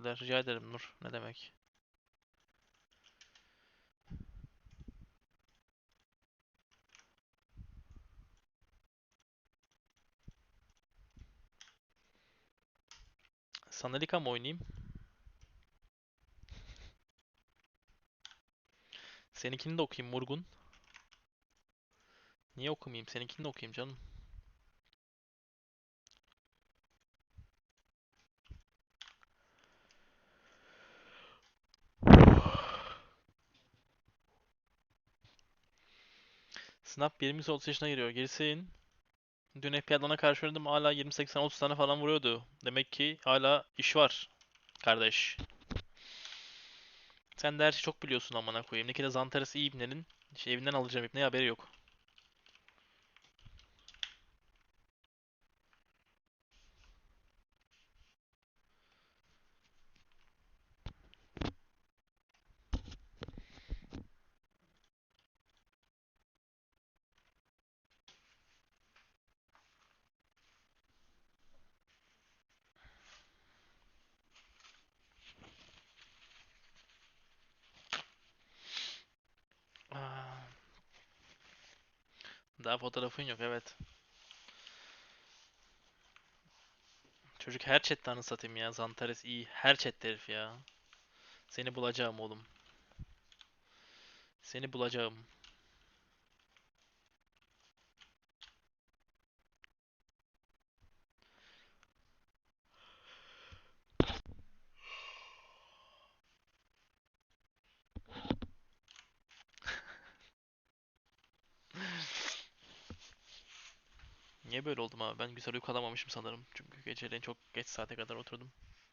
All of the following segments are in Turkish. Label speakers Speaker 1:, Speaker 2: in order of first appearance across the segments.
Speaker 1: teşekkürler. Rica ederim Nur. Ne demek? Sanalika mı oynayayım? Seninkini de okuyayım Murgun. Niye okumayayım? Seninkini de okuyayım canım. Snap 20-30 yaşına giriyor. Gerisin. Dün FPL'dan karşı oynadım, hala 20-80-30 tane falan vuruyordu. Demek ki hala iş var kardeş. Sen de her şeyi çok biliyorsun amına koyayım. Ne ki de Zantares iyi ibnenin. Evinden alacağım ibneye haberi yok. Aa, daha fotoğrafın yok, evet. Çocuk her chatte anı satayım ya. Zantares iyi. Her chatte herif ya. Seni bulacağım oğlum. Seni bulacağım. Niye böyle oldum abi? Ben güzel uyku alamamışım sanırım. Çünkü geceleyin çok geç saate kadar oturdum.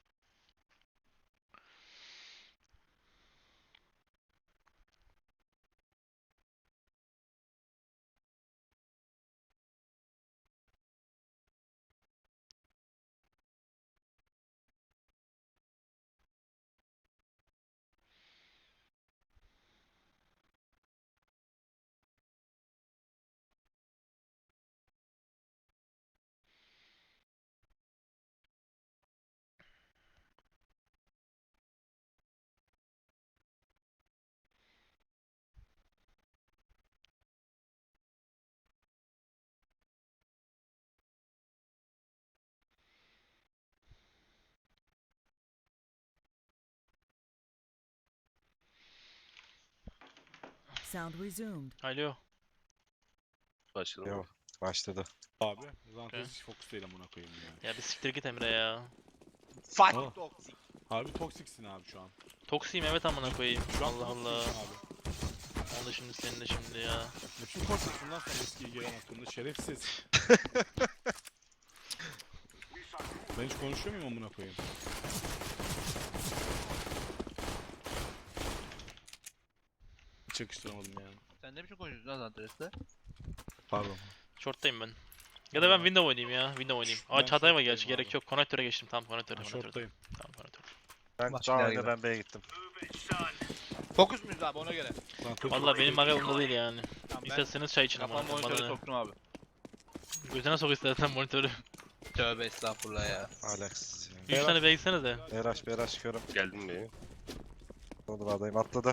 Speaker 2: Sound resumed.
Speaker 1: Alo.
Speaker 3: Başladım.
Speaker 4: Yok, başladı.
Speaker 5: Abi Zantares
Speaker 1: Okay.
Speaker 5: hiç fokus değil amına koyayım ya.
Speaker 1: Ya bir siktir git Emre ya.
Speaker 5: Aa.
Speaker 6: Fuck toxic.
Speaker 5: Harbi toksiksin abi şu an.
Speaker 1: Toksiyim evet amına koyayım.
Speaker 5: Şu an
Speaker 1: Allah Allah.
Speaker 5: toksiksin abi.
Speaker 1: Onu da şimdi senin de şimdi ya.
Speaker 5: Bütün toksiksin lan sen eskiye gelen hakkında şerefsiz. Ben hiç konuşuyor muyum amına koyayım? Hiç yakıştıramadım yani.
Speaker 6: Sen ne biçim konuşuyorsun lan Zantares'te?
Speaker 5: Pardon.
Speaker 1: Short'tayım ben. Ya da ben window oynayayım ya. Window oynayayım. Aa
Speaker 5: Ben
Speaker 1: Çağatay var
Speaker 5: short'tayım
Speaker 1: gerçi,
Speaker 5: abi.
Speaker 1: gerek yok. Connector'a geçtim. Tamam connector'a.
Speaker 5: Ben
Speaker 1: Connector'a.
Speaker 5: short'tayım.
Speaker 1: Tamam connector.
Speaker 4: Ben
Speaker 6: Bak,
Speaker 4: daha
Speaker 6: neler
Speaker 4: önce
Speaker 6: gibi.
Speaker 4: ben B'ye gittim.
Speaker 6: Fokus muyuz abi ona göre?
Speaker 5: Zantares
Speaker 1: Valla benim maga umurumda değil yani.
Speaker 6: Tamam, ben
Speaker 1: İsterseniz çay için ama.
Speaker 6: kafam monitöre soktum abi.
Speaker 1: Gözüne sok istersen monitörü.
Speaker 6: Tövbe estağfurullah ya.
Speaker 4: Alex.
Speaker 1: 3 tane beklesene de.
Speaker 4: Beraş çıkıyorum.
Speaker 3: Geldim B'ye.
Speaker 4: Odadayım, atladı.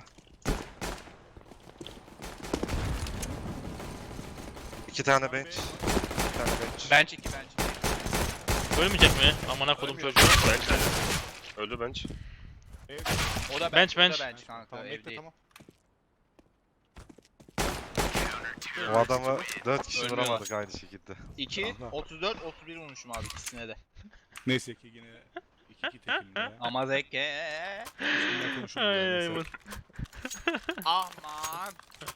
Speaker 4: İki tane bench. Bir tane bench.
Speaker 6: Bench 2 bench 2.
Speaker 1: Ölmeyecek mi? Amına kodum
Speaker 6: Ölmüyor.
Speaker 1: çocuğu.
Speaker 3: Bench öldü bench.
Speaker 6: O da
Speaker 1: Bench,
Speaker 6: bench, o
Speaker 1: bench.
Speaker 6: da bench kanka
Speaker 5: Tamam
Speaker 6: ev
Speaker 5: bekle
Speaker 6: değil.
Speaker 5: tamam.
Speaker 4: O adamı 4 kişi
Speaker 6: Ölmüyorlar.
Speaker 4: vuramadık aynı şekilde.
Speaker 6: 2,
Speaker 5: Tamam.
Speaker 6: 34, 31 vurmuşum abi ikisine de.
Speaker 5: Neyse ki yine 2-2 tekimde.
Speaker 6: Ama zeke.
Speaker 5: Bununla konuşuruz
Speaker 1: Ay
Speaker 5: yani,
Speaker 1: ay
Speaker 5: neyse.
Speaker 6: Aman.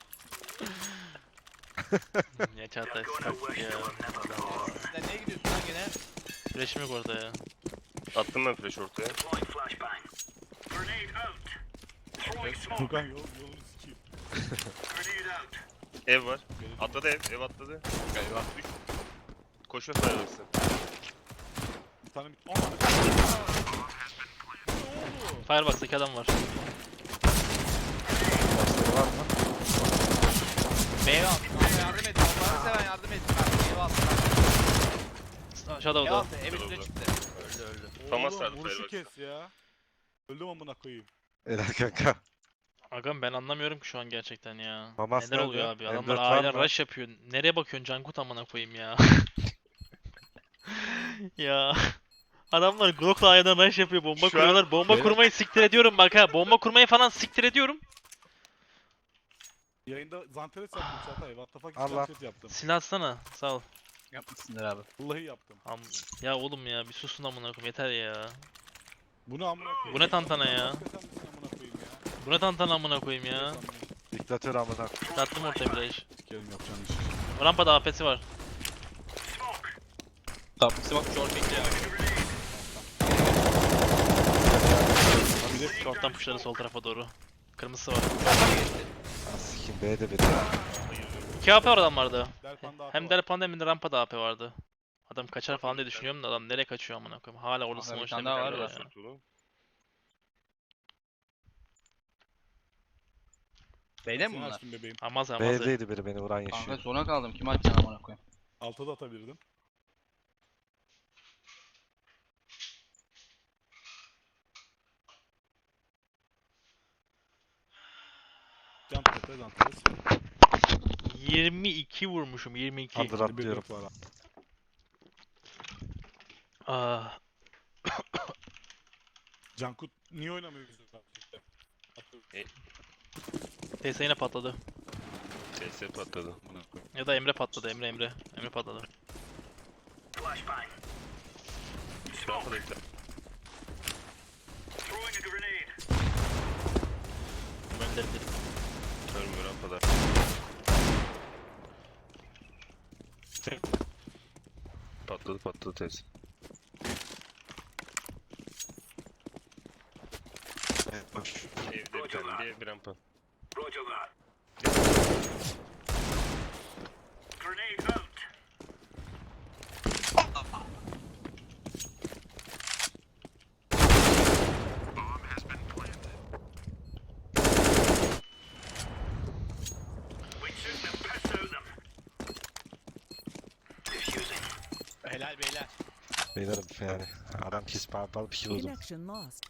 Speaker 1: Ya Çağatay sıkıntı ya.
Speaker 6: Sen neye gidiyorsun lan gene?
Speaker 1: Flash'im yok orada ya.
Speaker 3: Attım ben flash ortaya.
Speaker 5: Furkan yolunu sikeyim.
Speaker 3: Ev var. Atladı ev atladı.
Speaker 6: Eyvah.
Speaker 3: Koşma sayılırsın.
Speaker 5: Bir tane bir...
Speaker 1: Firebox'taki adam var.
Speaker 4: Başları var mı?
Speaker 6: Meyve al. Kanka yardım et. Allah'ını seven yardım et. Kanka meyve al.
Speaker 1: Aşağıda o
Speaker 6: Meyve
Speaker 1: da.
Speaker 6: al. Ev üstüne çıktı. Öldü öldü.
Speaker 3: Famas
Speaker 5: Oğlum
Speaker 3: sardı
Speaker 5: vuruşu
Speaker 3: Fireworks'a.
Speaker 5: kes ya. Öldüm amına koyayım.
Speaker 4: Helal kanka.
Speaker 1: Agam ben anlamıyorum ki şu an gerçekten ya.
Speaker 4: Famas
Speaker 1: Neler
Speaker 4: nerede?
Speaker 1: oluyor abi?
Speaker 4: M4
Speaker 1: Adamlar
Speaker 4: var
Speaker 1: A'yla
Speaker 4: mı?
Speaker 1: rush yapıyor. Nereye bakıyorsun Cankut amına koyayım ya. Ya. Adamlar Glock'la A'dan rush yapıyor. Bomba
Speaker 3: Şu an-
Speaker 1: kuruyorlar. Bomba
Speaker 4: Benim-
Speaker 1: kurmayı siktir ediyorum bak ha. Bomba kurmayı falan siktir ediyorum.
Speaker 5: Yayında Zanteres yaptım Çağatay. What the fuck
Speaker 4: Allah.
Speaker 5: Zanteres yaptım.
Speaker 1: Silah atsana. Sağ ol.
Speaker 6: Yapmışsındır abi.
Speaker 5: Vallahi yaptım.
Speaker 1: Ya oğlum ya bir susun amına koyayım yeter ya.
Speaker 5: Bu ne amına koyayım?
Speaker 1: Bu ne tantana ya?
Speaker 5: Hakikaten misin amına koyayım ya?
Speaker 1: Bu ne tantana amına koyayım ya.
Speaker 5: Sanmıyorum.
Speaker 4: Diktatör amına.
Speaker 1: Attım ortaya bir iş.
Speaker 5: Sikerim yapacağın iş.
Speaker 1: Rampada AP'si var.
Speaker 6: Tamam. Smoke short bekliyor.
Speaker 1: Short'tan pushları sol tarafa doğru. Kırmızısı var.
Speaker 4: Sikim B'de biri.
Speaker 1: 2 AP var adamlarda.
Speaker 5: Delpanda
Speaker 1: Hem Delpanda hem de rampada AP vardı. Adam kaçar falan diye düşünüyorum da adam nereye kaçıyor amına koyayım. Hala orada
Speaker 6: Aha, bir
Speaker 1: smoke
Speaker 6: tane
Speaker 1: işlemi
Speaker 6: daha var
Speaker 1: yapıyor
Speaker 6: da.
Speaker 1: ya.
Speaker 6: Beyler mi bunlar?
Speaker 5: Açtım bebeğim.
Speaker 1: Amaz amaz.
Speaker 4: B'deydi biri beni vuran
Speaker 6: Kanka
Speaker 4: yaşıyor.
Speaker 6: sona kaldım. Kim atacaksın amına koyayım?
Speaker 5: Alta da atabilirdim. Jump tete Zanteres.
Speaker 1: 22 vurmuşum 22.
Speaker 4: Under atlıyorum.
Speaker 5: Bir var.
Speaker 1: Ah,
Speaker 5: Cankut niye oynamıyor bizim
Speaker 1: TS yine patladı.
Speaker 3: TS patladı.
Speaker 1: Ya da Emre patladı Emre patladı.
Speaker 3: Rampada ekle.
Speaker 1: Gönderdim.
Speaker 3: Ölmüyor rampada. Patladı TS.
Speaker 4: Boş.
Speaker 3: Evde bir tane diye bir rampa.
Speaker 6: Helal beyler.
Speaker 4: Beylerim yani. Adam pis parpal pis vurdum.
Speaker 2: Connection lost.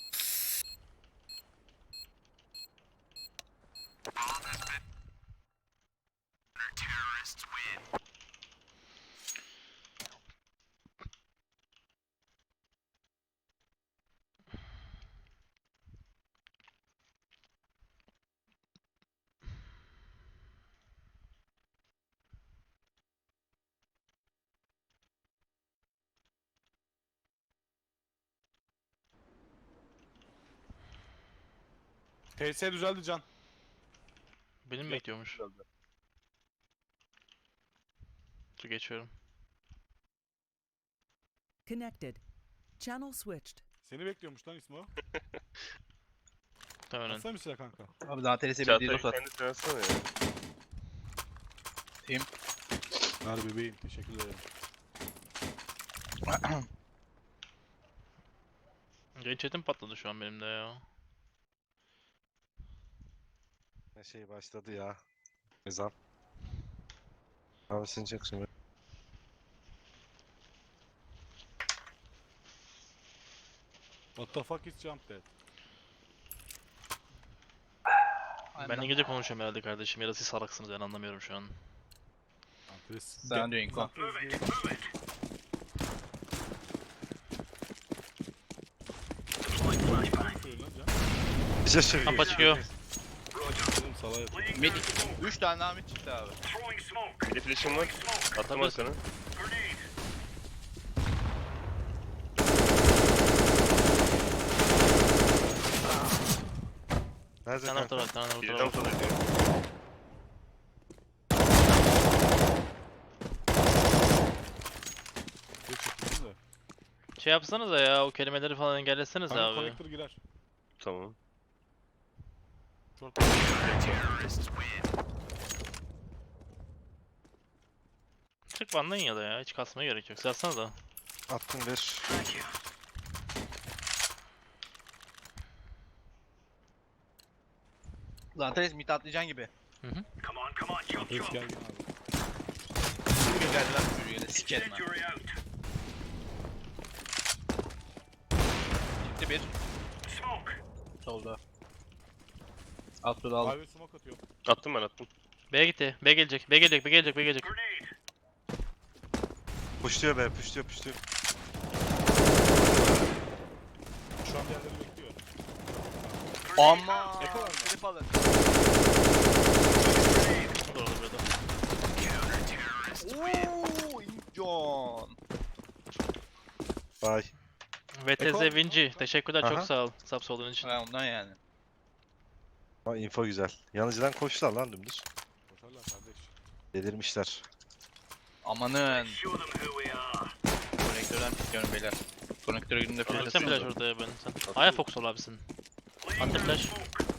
Speaker 5: TS düzeldi Can.
Speaker 1: Benim bekliyormuş. Dur geçiyorum.
Speaker 2: Connected. Channel switched.
Speaker 5: Seni bekliyormuş lan İsmo.
Speaker 1: Muhtemelen.
Speaker 5: Atsana bir silah kanka.
Speaker 6: Abi Zanteres'e bir
Speaker 3: Çağatay
Speaker 6: dildos at.
Speaker 3: kendisi yansana ya.
Speaker 5: Ver bebeğim teşekkür ederim.
Speaker 1: Yayın chat'im patladı şu an benim de ya.
Speaker 4: Ne şey başladı ya. Ezan. Abi sen çok şimdi.
Speaker 5: What the fuck is jump dead?
Speaker 1: Ben İngilizce konuşuyorum herhalde kardeşim. Ya da siz salaksınız ben anlamıyorum şu an.
Speaker 5: Zanteres.
Speaker 6: Sen diyor Inko.
Speaker 4: Bir şey söyleyeyim.
Speaker 1: Rampa çıkıyor.
Speaker 5: Oğlum salağa yatıyor.
Speaker 6: Mid 3 tane daha mid çıktı abi.
Speaker 3: Bir de flash'im var. Attım
Speaker 1: Tabii.
Speaker 3: arkana.
Speaker 4: Nerede
Speaker 1: Bir tane orta
Speaker 4: kanka?
Speaker 1: var, bir tane
Speaker 3: Bir
Speaker 1: orta var.
Speaker 3: rampada diyor.
Speaker 5: Bir çıktım da.
Speaker 1: Şey yapsanıza ya o kelimeleri falan engelleseniz
Speaker 5: Kanka
Speaker 1: abi.
Speaker 5: connector girer.
Speaker 3: Tamam.
Speaker 5: Short.
Speaker 1: Çık bandan ya da ya hiç kasmaya gerek yok. Sarsana da.
Speaker 4: Attım bir.
Speaker 6: Zanteres mid atlayacaksın gibi.
Speaker 5: Zanteres gergin abi.
Speaker 6: Bugün geldi lan çocuğu yine sikerim ben. Çıktı bir. Solda. Alt yolu aldım.
Speaker 5: Abi smoke atıyor.
Speaker 3: Attım ben attım.
Speaker 1: B'ye gitti. B gelecek. B gelecek. B gelecek. B gelecek.
Speaker 4: Puşluyor be, puşluyor, puşluyor.
Speaker 5: Şu an diğerleri bekliyor.
Speaker 6: Ama.
Speaker 5: Eko var mı?
Speaker 6: Trip alın.
Speaker 1: Doğru burada.
Speaker 6: Ooo. John.
Speaker 4: Vay.
Speaker 1: VTZ Vinci. Teşekkürler. Çok
Speaker 4: Aha.
Speaker 1: sağ ol. Subs olduğun için.
Speaker 6: Ha ondan yani.
Speaker 4: Ama info güzel. Yanıcıdan koştular lan dümdüz.
Speaker 5: Koşarlar kardeş.
Speaker 4: Delirmişler.
Speaker 6: Amanın. Konektörden çıkıyorum beyler. Konektöre girdiğimde flash
Speaker 1: Sen flash
Speaker 6: atıyordu.
Speaker 1: orada ya ben. Sen. Aya fokus ol abisin. Anti flash.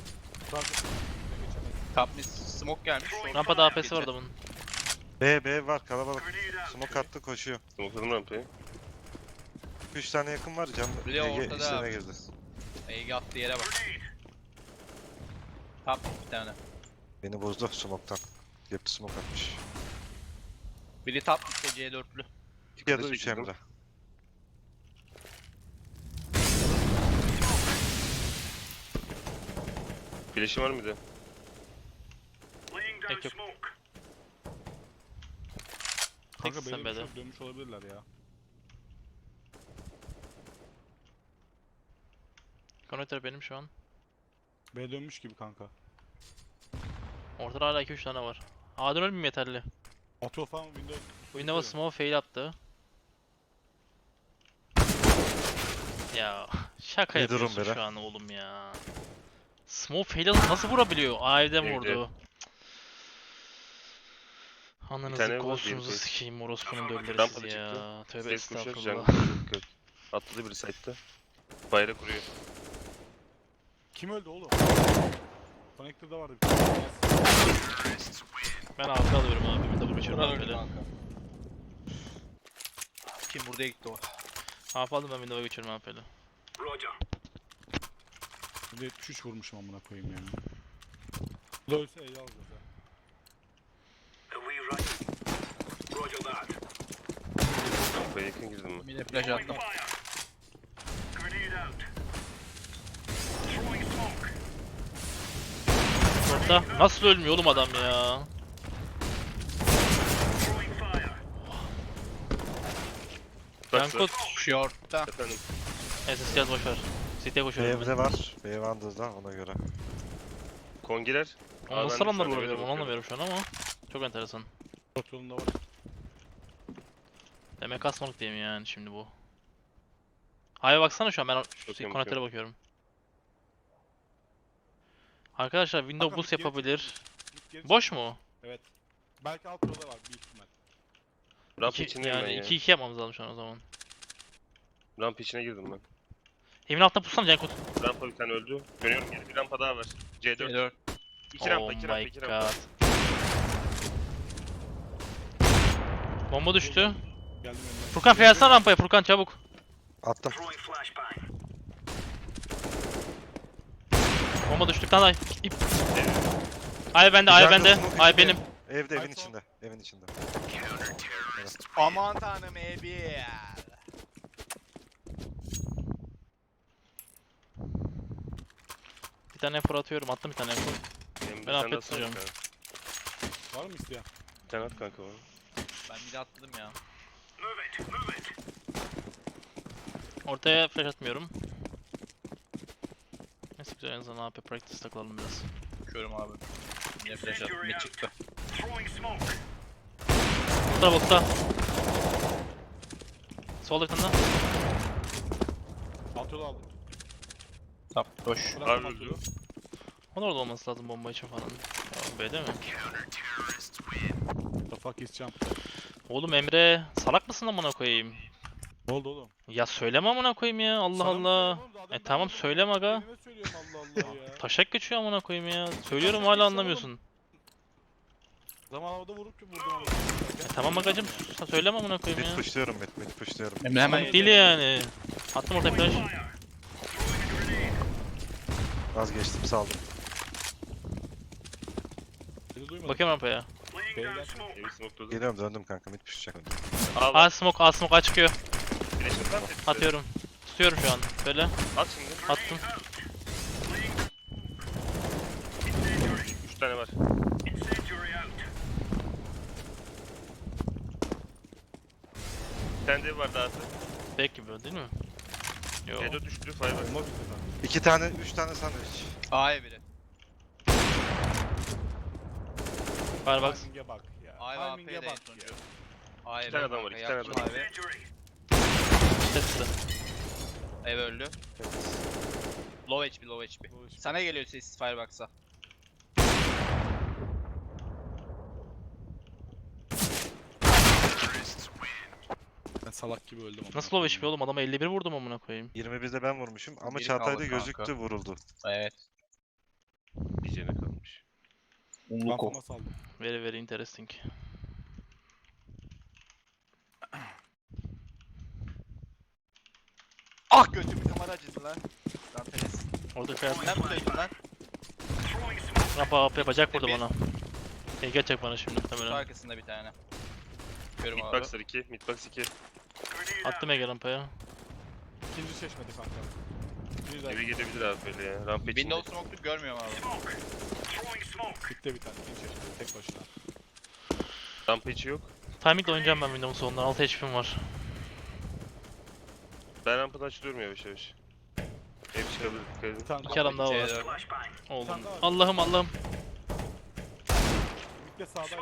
Speaker 6: Top mid smoke gelmiş.
Speaker 1: Rampada AP'si var adamın.
Speaker 4: B var kalabalık. Smoke attı koşuyor.
Speaker 3: Smokladım rampayı.
Speaker 4: 3 tane yakın var cam.
Speaker 6: Bir de ortada
Speaker 4: içine
Speaker 6: abi.
Speaker 4: girdi.
Speaker 6: Ege attığı yere bak. Top mid bir tane.
Speaker 4: Beni bozdu smoke'tan. Yaptı smoke atmış.
Speaker 6: Biri top mid'de C4'lü.
Speaker 4: Ya da
Speaker 3: Dikkat
Speaker 4: 3
Speaker 3: edin.
Speaker 4: Emre.
Speaker 3: Flash'im var mıydı?
Speaker 1: Tek yok.
Speaker 5: Kanka
Speaker 1: Teksin
Speaker 5: benim
Speaker 1: B'de.
Speaker 5: çok dönmüş olabilirler ya.
Speaker 1: Konektör benim şu an.
Speaker 5: B dönmüş gibi kanka.
Speaker 1: Ortada hala 2-3 tane var. A'dan ölmeyeyim yeterli.
Speaker 5: Atıyor falan Windows.
Speaker 1: Windows smoke fail attı. Ya şaka
Speaker 4: Ne durum
Speaker 1: yapıyorsun
Speaker 4: Bera?
Speaker 1: şu an oğlum ya. Smoke fail alıp nasıl vurabiliyor? A'den
Speaker 3: Evde.
Speaker 1: vurdu.
Speaker 3: Bir
Speaker 1: Ananızı
Speaker 3: tane var,
Speaker 1: ghost'unuzu
Speaker 3: diğeri
Speaker 1: sikeyim orospunun dölleri
Speaker 3: Rampada
Speaker 1: sizi ya. Tövbe
Speaker 3: Ses koşuyor.
Speaker 1: estağfurullah.
Speaker 3: Jungle. Atladı biri site'da. Bayrak kuruyor.
Speaker 5: Kim öldü oğlum? Connector'da vardı bir tane.
Speaker 1: Ben arka alıyorum abi. Bir de bu geçiyorum
Speaker 6: Burak
Speaker 1: abi
Speaker 6: öldü
Speaker 1: böyle.
Speaker 6: kanka. Kim buraya gitti o?
Speaker 1: Half aldım ben window'a geçiyorum abi böyle.
Speaker 5: Bir de 73 vurmuşum amına koyayım yani. Bu da ölse E'yi alacağız ha.
Speaker 3: Rampaya yakın girdim ben.
Speaker 6: Bir de flash attım.
Speaker 1: Orta. Nasıl ölmüyor oğlum adam ya? Yankut.
Speaker 6: Short'ta.
Speaker 3: Efendim.
Speaker 1: SS yaz boşver. City'ye koşuyorum ben.
Speaker 4: B'de var. B Wanders'da ona göre.
Speaker 3: Kongiler.
Speaker 1: Onu nasıl
Speaker 3: ben de
Speaker 1: adamlar
Speaker 3: şu an
Speaker 1: vurabiliyorum onu
Speaker 3: öyle
Speaker 1: anlamıyorum şu an ama. Çok enteresan.
Speaker 5: Short yolunda var.
Speaker 1: Demek asmalık diyeyim yani şimdi bu. A'ya baksana şu an ben şu
Speaker 3: Bakıyorum,
Speaker 1: konektöre bakıyorum. Arkadaşlar window
Speaker 5: Kanka,
Speaker 1: boost
Speaker 5: bir geri
Speaker 1: yapabilir.
Speaker 5: Git geri
Speaker 1: Boş mu?
Speaker 5: Evet. Belki alt yolda var büyük ihtimal.
Speaker 3: Ramp
Speaker 1: İki,
Speaker 3: içindeyim ben
Speaker 1: yani
Speaker 3: ya.
Speaker 1: 2-2 yapmamız lazım şu an o zaman.
Speaker 3: Ramp içine girdim ben.
Speaker 1: Evin altına pussana Cankut.
Speaker 3: Rampa bir tane öldü. Dönüyorum geri. Bir rampa daha var. C4.
Speaker 6: C4.
Speaker 3: İki rampa,
Speaker 1: Oh
Speaker 3: iki rampa,
Speaker 1: my
Speaker 3: iki rampa.
Speaker 1: god. Bomba düştü.
Speaker 5: Geldim önüne.
Speaker 1: Furkan fiyatsan rampaya Furkan çabuk.
Speaker 4: Attım.
Speaker 1: Bomba düştükten ay. İp. Ay bende, ay
Speaker 4: Jungle
Speaker 1: bende.
Speaker 4: smoke
Speaker 1: Ay
Speaker 4: içinde.
Speaker 1: benim.
Speaker 4: Evde evin
Speaker 5: Ay,
Speaker 4: içinde. Evin içinde.
Speaker 6: Aman tanrım Ebi.
Speaker 1: Bir tane efor atıyorum. Attım bir tane efor.
Speaker 3: Benim bir
Speaker 1: Ben
Speaker 3: tane
Speaker 1: afiyet
Speaker 3: daha sana
Speaker 1: tutuyorum.
Speaker 3: kanka.
Speaker 5: Var mı isteyen?
Speaker 3: Bir tane at kanka bana.
Speaker 6: Ben bir de atladım ya.
Speaker 1: Ortaya flash atmıyorum. Neyse güzel en azından AP practice takılalım biraz.
Speaker 6: Bakıyorum abi. Yine flash attım. Ne çıktı?
Speaker 1: Boxta boxta. Solda bir tane daha.
Speaker 5: Alt yolu aldım.
Speaker 6: Top boş.
Speaker 5: Bıraktım
Speaker 3: Abi
Speaker 5: alt
Speaker 3: öldü.
Speaker 5: yolu.
Speaker 1: Onun orada olması lazım bomba için falan. Ya, B'de mi?
Speaker 5: The fuck is jump?
Speaker 1: Oğlum Emre salak mısın amına koyayım?
Speaker 5: Ne oldu oğlum?
Speaker 1: Ya söyleme amına koyayım ya Allah
Speaker 5: Sana mı
Speaker 1: Allah.
Speaker 5: söylüyorum oğlum? Daha demin ben
Speaker 1: Tamam
Speaker 5: dedim.
Speaker 1: söyleme aga.
Speaker 5: Kendime söylüyorum Allah Allah ya.
Speaker 1: Taşak geçiyor amına koyayım ya. Söylüyorum
Speaker 5: taşak
Speaker 1: hala
Speaker 5: geçiyor
Speaker 1: anlamıyorsun.
Speaker 5: Zaman havada vurup vurdum ama.
Speaker 1: Tamam agacım söyleme amına koyayım
Speaker 4: Mid
Speaker 1: ya.
Speaker 4: pushluyorum mid pushluyorum.
Speaker 6: Emre hemen
Speaker 1: Komik değil yani. Attım ortaya flash.
Speaker 4: Vazgeçtim saldım.
Speaker 5: Seni duymadım.
Speaker 1: Bakıyorum rampaya.
Speaker 5: Beyler.
Speaker 3: Evi smokeladım.
Speaker 4: Geliyorum döndüm kanka mid pushlayacak.
Speaker 1: A smoke A smoke A çıkıyor.
Speaker 3: Flash'im var mı?
Speaker 1: Atıyorum. Tutuyorum şu an. Böyle
Speaker 3: At şimdi.
Speaker 1: attım.
Speaker 3: Side var daha.
Speaker 1: Back gibi o değil mi? Yo.
Speaker 3: Edo düştü. Fireball.
Speaker 5: Bomba bitti lan.
Speaker 4: 2 tane, 3 tane sandviç.
Speaker 6: A'ya biri.
Speaker 1: Firebox.
Speaker 5: Timing'e bak ya.
Speaker 6: A'ya ve
Speaker 5: Timing'e
Speaker 6: AP'de en
Speaker 5: bak
Speaker 6: sonuncu.
Speaker 5: ya.
Speaker 6: A'ya
Speaker 3: İki tane
Speaker 6: biri
Speaker 3: adam var,
Speaker 6: kanka,
Speaker 3: iki tane
Speaker 6: yaptım
Speaker 3: adam.
Speaker 6: abi.
Speaker 1: Tepsi.
Speaker 6: Ev öldü. Low HP, low HP.
Speaker 5: Low HP.
Speaker 6: Sana geliyor ses Firebox'a.
Speaker 5: Ben salak gibi öldüm ama.
Speaker 1: Nasıl low HP oğlum? Adama 51 vurdum amına koyayım.
Speaker 4: 21'de ben vurmuşum ama
Speaker 6: Biri
Speaker 4: Çağatay'da
Speaker 6: kaldı kanka.
Speaker 4: gözüktü vuruldu.
Speaker 6: Evet.
Speaker 3: Bir cene kalmış.
Speaker 6: Unluko.
Speaker 5: Kafama saldım.
Speaker 1: Very very interesting.
Speaker 6: Ah götüm kamera acıdı lan. Lan Peres.
Speaker 1: Orada kıyafet.
Speaker 6: Sen buradaydın lan.
Speaker 1: Rampa AP bacak vurdu bana. Gelecek bana şimdi
Speaker 6: Şu
Speaker 1: muhtemelen.
Speaker 6: arkasında bir tane. Görüm abi.
Speaker 3: Midboxer 2. Midbox 2.
Speaker 1: Attım Ege rampaya.
Speaker 5: İkinci çeşmedi kanka. Bir
Speaker 3: Evi
Speaker 5: de
Speaker 3: gelebilir abi böyle ya. Ramp içinde.
Speaker 6: Windows smoke'luk görmüyorum abi.
Speaker 5: bitti bir tane. İkinci çeşmedi tek başına.
Speaker 3: Ramp içi yok.
Speaker 1: Timing'le oynayacağım ben Windows'un sonundan. 6 HP'm var.
Speaker 3: Ben rampadan açılıyorum yavaş yavaş. Ev çıkabilir. Dikkat edin.
Speaker 5: Bir tane
Speaker 1: İki adam daha var.
Speaker 6: C4.
Speaker 1: Oğlum.
Speaker 5: tane daha var.
Speaker 1: Allah'ım Allah'ım.
Speaker 5: Bitti sağdaydı.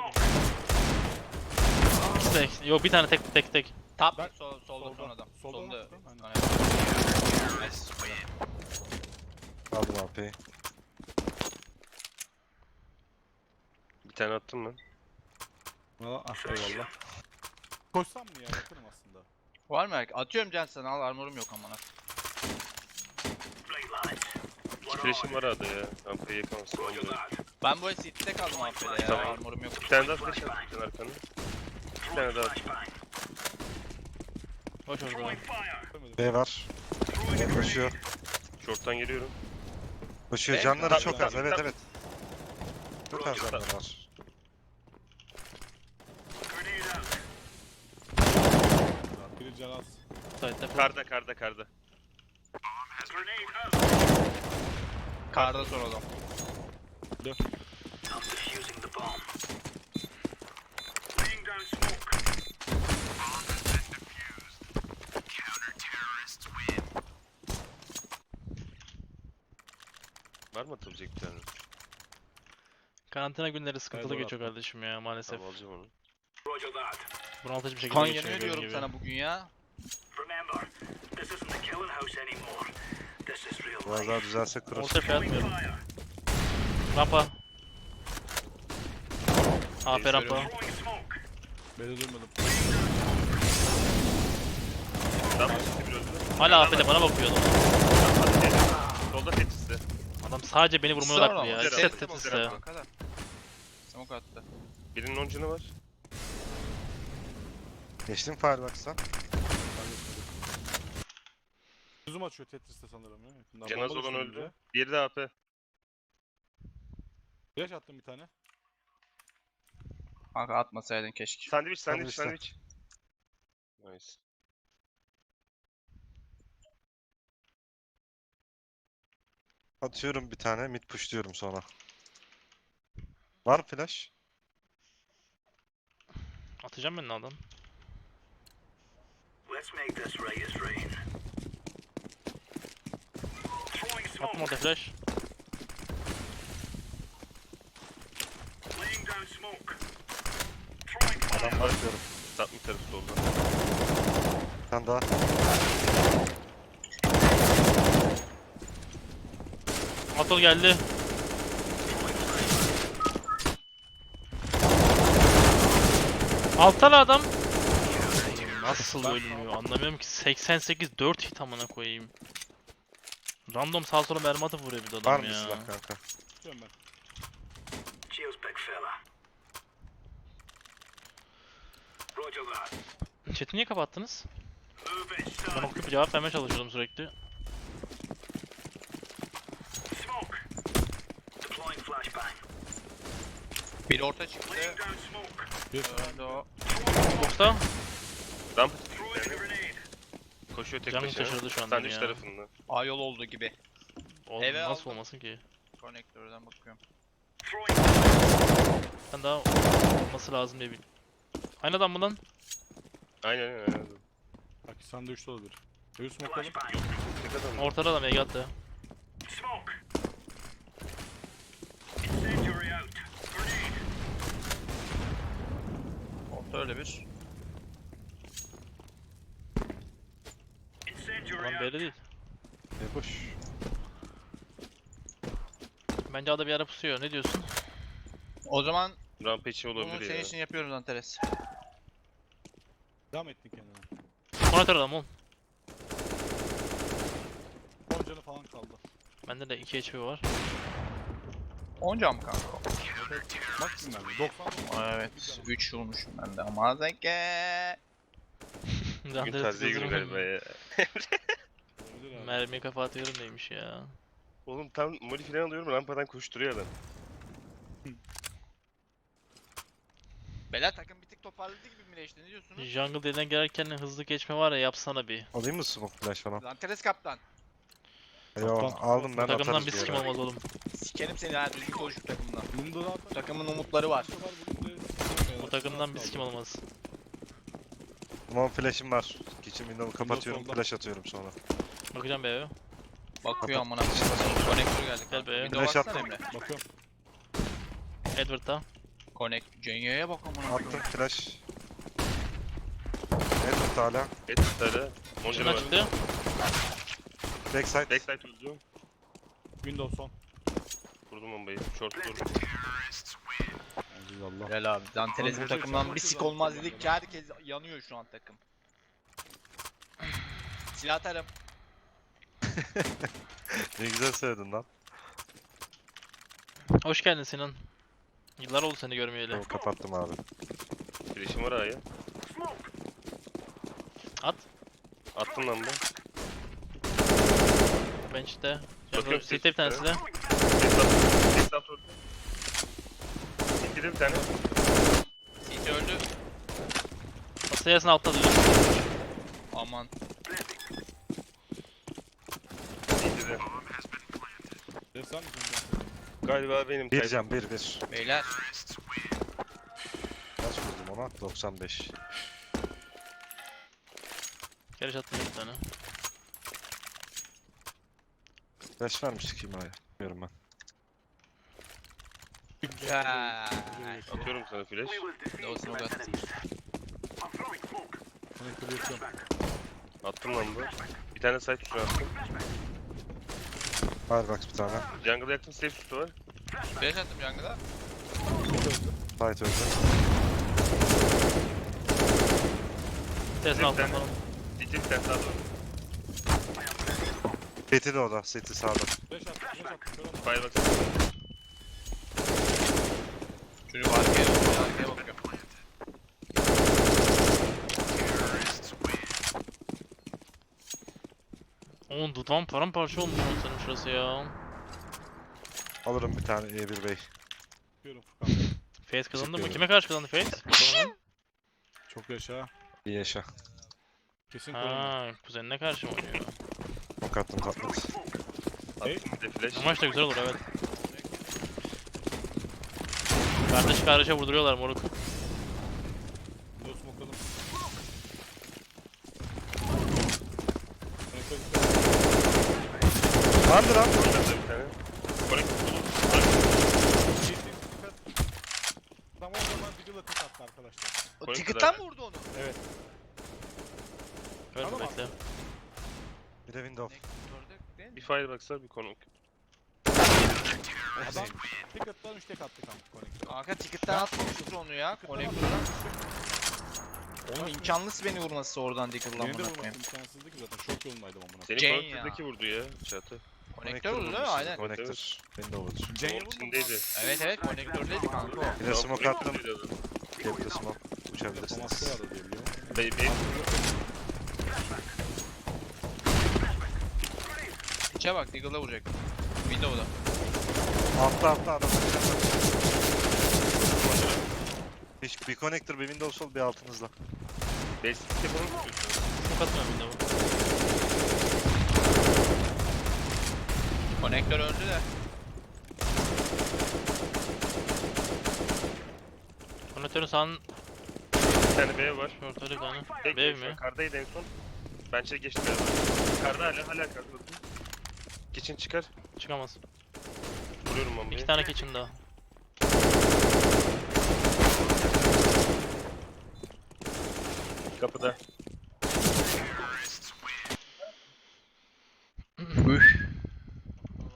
Speaker 1: Tek. Yok bir tane tek.
Speaker 6: Top
Speaker 5: Ben-
Speaker 6: solda
Speaker 5: solda.
Speaker 6: son adam.
Speaker 5: Solda
Speaker 6: Solda.
Speaker 5: nasıl? Aynen.
Speaker 6: Aynen. Nice. Super.
Speaker 4: Aldım AP'yi.
Speaker 3: Bir tane attım ben.
Speaker 5: Valla ah eyvallah. Koşsam mı ya? Yaparım aslında.
Speaker 6: Var mı? Atıyorum can sana al armorum yok amına.
Speaker 3: 2 flash'im var arada ya. Rampayı yakamazsın. Olmuyor.
Speaker 6: Ben bu CT'de kaldım AP'de ya.
Speaker 3: Tamam.
Speaker 6: Armorum yok.
Speaker 3: Bir tane daha flash attım arkana. Bir tane daha attım.
Speaker 1: Boş orada.
Speaker 5: Görmedim.
Speaker 4: B var. B koşuyor.
Speaker 3: Short'tan geliyorum.
Speaker 4: Koşuyor.
Speaker 6: B
Speaker 4: Canları
Speaker 3: mi?
Speaker 4: çok
Speaker 3: Tabii,
Speaker 4: az.
Speaker 3: tabii,
Speaker 4: Evet
Speaker 3: tabii.
Speaker 4: evet. Çok az canları var.
Speaker 5: Biri can az.
Speaker 1: Side'de.
Speaker 3: Karda.
Speaker 6: Karda son adam.
Speaker 3: Var mı atılacak bir tane?
Speaker 1: Karantina günleri sıkıntılı
Speaker 5: Eyvallah.
Speaker 1: geçiyor kardeşim ya maalesef.
Speaker 3: Tamam alacağım onu.
Speaker 1: Bunaltıcı bir şekilde
Speaker 6: Kan
Speaker 1: geçiyor.
Speaker 6: yanıyor
Speaker 1: gördüğün
Speaker 6: diyorum
Speaker 1: gibi.
Speaker 6: sana bugün ya.
Speaker 4: Biraz daha düzelse cross.
Speaker 1: Orta fiyat atmıyorum. Rampa. AP rampa.
Speaker 5: Beni duymadım.
Speaker 3: Ramp içinde bir öldü.
Speaker 1: Hala AP'de bana bakıyor adam.
Speaker 3: Solda Tetris'te.
Speaker 1: Adam sadece beni vurmaya
Speaker 6: Sonra
Speaker 1: odaklı ya.
Speaker 6: ama.
Speaker 3: Güzel
Speaker 1: Set
Speaker 3: abi,
Speaker 1: tetris
Speaker 3: güzel
Speaker 1: ya.
Speaker 3: abi.
Speaker 6: Kanka da. Smoke attı.
Speaker 3: Birinin 10 canı var.
Speaker 4: Geçtim Firebox'tan.
Speaker 5: Zoom açıyor Tetris'te sanırım ya. Yakından.
Speaker 3: Cenaz
Speaker 5: Bomba
Speaker 3: olan
Speaker 5: düştü
Speaker 3: öldü.
Speaker 5: önce.
Speaker 3: Diğeri de AP.
Speaker 5: Flash attım bir tane.
Speaker 6: Kanka atmasaydın keşke.
Speaker 3: Sandviç.
Speaker 4: Sandviçte.
Speaker 3: Nice.
Speaker 4: Atıyorum bir tane. Mid pushluyorum sonra. Var mı flash?
Speaker 1: Atacağım ben adam. Attım orada flash.
Speaker 4: Adam var diyorum.
Speaker 3: Satma tarafı solda.
Speaker 4: Bir tane daha.
Speaker 1: Atol geldi. Alttalı adam. Nasıl ölmüyor anlamıyorum ki. 88 4 hit amına koyayım. Random sağ sola mermi atıp vuruyor bir de
Speaker 4: Var
Speaker 1: adam
Speaker 4: mı
Speaker 1: ya.
Speaker 4: silah kanka?
Speaker 5: Tutuyorum ben.
Speaker 1: Chat'i niye kapattınız? Ben okuyup cevap vermeye çalışıyordum sürekli.
Speaker 6: Bir orta çıktı.
Speaker 5: Bir
Speaker 6: Öldü o.
Speaker 1: Box'ta
Speaker 3: Ramp koşuyor tek
Speaker 1: canım
Speaker 3: başına.
Speaker 1: şaşırdı şu anda
Speaker 3: Sandviç
Speaker 1: ya.
Speaker 3: tarafında.
Speaker 6: A yol oldu gibi.
Speaker 1: Oğlum
Speaker 6: Eve
Speaker 1: nasıl
Speaker 6: aldım.
Speaker 1: olmasın ki?
Speaker 6: Konektörden bakıyorum.
Speaker 1: Ben daha olması lazım diye bil. Aynı adam mı lan?
Speaker 3: Aynen.
Speaker 5: Pakistan'da 3'te olabilir. Deus smoke'ladım.
Speaker 3: Dikkat edin.
Speaker 1: Ortada da mega attı.
Speaker 6: Orta öyle bir.
Speaker 1: Lan belli değil.
Speaker 4: Boş.
Speaker 1: Bence ada bir ara pusuyor. Ne diyorsun?
Speaker 6: O zaman
Speaker 3: Rampage
Speaker 6: bunu
Speaker 3: olabilir
Speaker 6: senin
Speaker 3: ya.
Speaker 6: için yapıyoruz Antares.
Speaker 5: Devam ettin kendine.
Speaker 1: Monitör adam oğlum.
Speaker 5: 10 canı falan kaldı.
Speaker 1: Bende de 2 HP var.
Speaker 6: 10 cam kanka.
Speaker 5: Maksimum bende. 90
Speaker 6: Aa, evet 3 vurmuşum ben de ama zeke.
Speaker 3: Bugün taziye günü galiba ya.
Speaker 5: olabilir abi.
Speaker 1: Mermiye kafa atıyorum neymiş ya.
Speaker 3: Oğlum tam moli falan alıyorum rampadan koşturuyor adam.
Speaker 6: Beyler takım bir tık toparladı gibi mi değişti ne diyorsunuz?
Speaker 1: Jungle deliğinden gelirken hızlı geçme var ya yapsana bir.
Speaker 4: Alayım mı smoke flash falan?
Speaker 6: Antares kaptan.
Speaker 4: Eyvah aldım ben
Speaker 1: Takımdan
Speaker 4: atarız
Speaker 1: bir
Speaker 4: bir
Speaker 1: sikim
Speaker 4: ara.
Speaker 1: olmaz oğlum.
Speaker 6: Sikerim seni ha düzgün konuş şu takımdan.
Speaker 5: Bunda zaten
Speaker 6: Takımın umutları var.
Speaker 1: Bu takımdan bir sikim olmaz.
Speaker 4: Smoke flash'im var. Kitchen window'u kapatıyorum
Speaker 5: solda.
Speaker 4: flash atıyorum sonra.
Speaker 1: Bakacağım be eve.
Speaker 6: Bakıyor amına. Konektör geldi
Speaker 1: Gel
Speaker 6: kanka.
Speaker 1: be.
Speaker 6: Windows
Speaker 4: Flash
Speaker 6: atsana
Speaker 4: attım.
Speaker 6: Emre.
Speaker 5: Bakıyorum.
Speaker 1: Edward'da.
Speaker 6: Connect. Cenye'ye bak amına.
Speaker 4: Attım flash. Edward hala.
Speaker 3: Et tutarı. Monca
Speaker 1: Şuna
Speaker 3: var.
Speaker 1: çıktı.
Speaker 4: Backside.
Speaker 3: Backside öldü.
Speaker 5: Windows son.
Speaker 3: Vurdum bombayı. Short vurdum.
Speaker 5: Aziz Allah.
Speaker 6: Helal abi. Danteles bu
Speaker 5: Oğlum,
Speaker 6: takımdan bir sik olmaz dedikçe herkes yanıyor şu an takım. Silah atarım.
Speaker 4: Ne güzel söyledin lan.
Speaker 1: Hoş geldin Sinan. Yıllar oldu seni görmeyeli.
Speaker 4: Tamam, kapattım abi.
Speaker 3: Flash'im var A'ya.
Speaker 1: At.
Speaker 3: Attım lan ben.
Speaker 1: Bench'te.
Speaker 3: Bakıyorum
Speaker 1: Jungle City'de bir tanesi de.
Speaker 3: Desktop öldü. City'de bir tane.
Speaker 6: CT öldü.
Speaker 1: Sayasını altta duruyor.
Speaker 6: Aman.
Speaker 3: City'de.
Speaker 5: Sen misin?
Speaker 3: Galiba benim.
Speaker 4: Bir can bir.
Speaker 6: Beyler.
Speaker 4: Kaç vurdum ona? 95.
Speaker 1: Geri attım bir tane.
Speaker 4: Flash vermiştik kimaya. Bilmiyorum ben.
Speaker 6: Ya.
Speaker 3: Atıyorum sana flash.
Speaker 6: Doğusunu uzat.
Speaker 5: Connector'ı yapıyorum.
Speaker 3: Attım lan bu. Bir tane side tutu attım.
Speaker 4: Firebox bir tane.
Speaker 3: Jungle'a yakın safe tutu var.
Speaker 6: Flash attım jungle'a.
Speaker 4: Fight öldü.
Speaker 1: Sayasını
Speaker 3: Bir
Speaker 1: altta
Speaker 3: tane.
Speaker 1: falan.
Speaker 3: City bir tane daha doğru.
Speaker 4: City de o da. City sağda.
Speaker 5: Flash attım. Flash attım. Kör olma.
Speaker 3: Firebox.
Speaker 6: Çocuk arkaya bakıyor.
Speaker 1: Oğlum dudağım paramparça olmuş lan senin şurası ya.
Speaker 4: Alırım bir tane E1 Bey.
Speaker 5: Bakıyorum Furkan.
Speaker 1: Face kazandı mı?
Speaker 4: Teşekkür
Speaker 1: Kime karşı kazandı Face? Sonra.
Speaker 5: Çok yaşa.
Speaker 4: Bir yaşa.
Speaker 5: Kesin korona.
Speaker 1: Ha, kuzenine karşı mı oynuyor?
Speaker 4: Ok attım katlat.
Speaker 3: Attım bir de flash.
Speaker 1: Bu maç da güzel olur evet. Kardeş kardeşe vurduruyorlar moruk.
Speaker 5: Windows smoke'ladım. Connector
Speaker 4: Landır lan.
Speaker 3: Attım bir tane. Connect tutu.
Speaker 5: Tam o zaman Diggle'a tek attı arkadaşlar.
Speaker 6: O
Speaker 3: Connector
Speaker 6: ticket'tan
Speaker 3: abi.
Speaker 6: mı vurdu onu?
Speaker 1: Ver
Speaker 5: Tamam.
Speaker 1: bekle.
Speaker 4: Bir de window.
Speaker 3: Bir firebox var bir konuk.
Speaker 5: Adam ticket'tan 3 tek attı kanka Connector'a.
Speaker 6: Kanka ticket'tan atmamışız onu ya. Connector'dan. Oğlum imkansız beni vurması oradan Diggle'la
Speaker 5: Beni de
Speaker 6: amına
Speaker 5: vurması
Speaker 6: koyayım.
Speaker 5: imkansızdı ki zaten. Şok yolundaydım amına.
Speaker 3: Senin
Speaker 6: Jane
Speaker 3: konnektör'deki vurdu ya çatı.
Speaker 6: Connector vurdu değil mi? Aynen.
Speaker 4: Connector. Window vurdu.
Speaker 5: Jane
Speaker 3: Onun içindeydi.
Speaker 6: Evet evet konektördeydi kanka o.
Speaker 4: Bir de smoke attım.
Speaker 3: Vurduydu adam.
Speaker 4: Cap'te smoke. Uçabilirsiniz.
Speaker 5: Tomas'ta vardı diye biliyorum.
Speaker 3: Baby.
Speaker 6: İçe bak Diggle'la vuracak. Window'da.
Speaker 4: Altta adam. Bir connector, bir window sol, bir altınızda.
Speaker 3: Basic yapalım mı?
Speaker 1: Çok atmıyorum bir de bu.
Speaker 6: Konektör öldü de.
Speaker 1: Konnektörün sağın
Speaker 3: Bir tane B var.
Speaker 1: ortada bir tane.
Speaker 3: Tek
Speaker 1: Bev
Speaker 3: şu
Speaker 1: mi?
Speaker 3: Yukarıdaydı en son. Bence geçti galiba. Yukarıda hala yukarıda. Kitchen çıkar.
Speaker 1: Çıkamaz.
Speaker 3: Vuruyorum bombayı.
Speaker 1: 2 tane kitchen daha.
Speaker 3: Kapıda.